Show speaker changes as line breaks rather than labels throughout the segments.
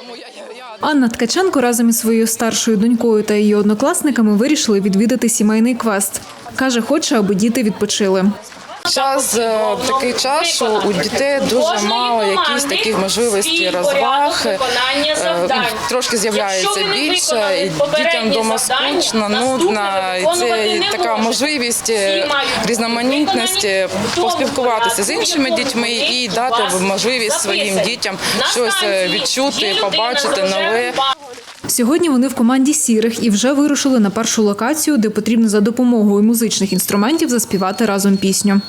Анна Ткаченко разом із своєю старшою донькою та її однокласниками вирішили відвідати сімейний квест. Каже, хоче, аби діти відпочили.
Зараз такий час, що у дітей дуже мало якісь таких можливостей розваг, трошки з'являється більше, і дітям вдома скучно, нудно, і це така можливість різноманітності поспілкуватися з іншими дітьми і дати можливість своїм дітям щось відчути, побачити нове.
Сьогодні вони в команді «Сірих» і вже вирушили на першу локацію, де потрібно за допомогою музичних інструментів заспівати разом пісню.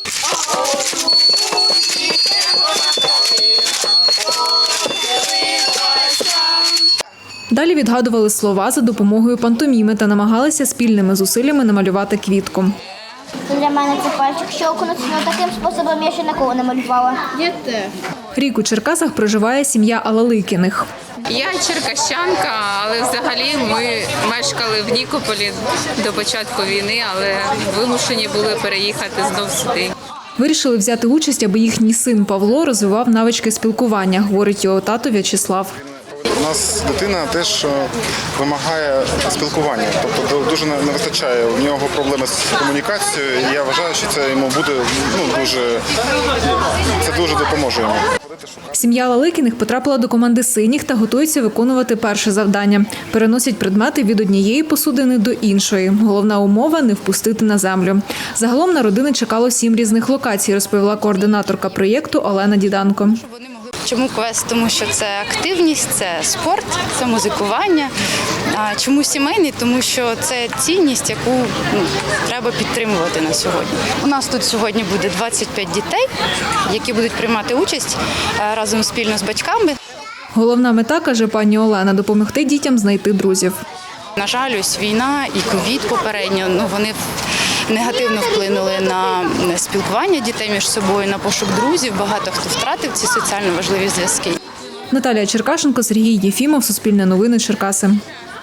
Далі відгадували слова за допомогою пантоміми та намагалися спільними зусиллями намалювати квітку.
Для мене це пальчик щелкнуть, але таким способом я ще ніколи не малювала.
Рік у Черкасах проживає сім'я Алаликіних.
Я черкащанка, але взагалі ми мешкали в Нікополі до початку війни, але вимушені були переїхати знов сюди.
Вирішили взяти участь, аби їхній син Павло розвивав навички спілкування, говорить його тато В'ячеслав.
У нас дитина теж вимагає спілкування, тобто дуже не вистачає. У нього проблеми з комунікацією, і я вважаю, що це йому буде дуже допоможе йому.
Сім'я Лаликіних потрапила до команди «Синіх» та готується виконувати перше завдання. Переносять предмети від однієї посудини до іншої. Головна умова – не впустити на землю. Загалом на родини чекало 7 різних локацій, розповіла координаторка проєкту Олена Діданко.
Чому квест? Тому що це активність, це спорт, це музикування. А чому сімейний? Тому що це цінність, яку треба підтримувати на сьогодні. У нас тут сьогодні буде 25 дітей, які будуть приймати участь разом спільно з батьками.
Головна мета, каже пані Олена, допомогти дітям знайти друзів.
На жаль, ось війна і ковід попередньо, вони негативно вплинули на спілкування дітей між собою, на пошук друзів. Багато хто втратив ці соціально важливі зв'язки.
Наталія Черкашенко, Сергій Єфімов, Суспільне новини, Черкаси.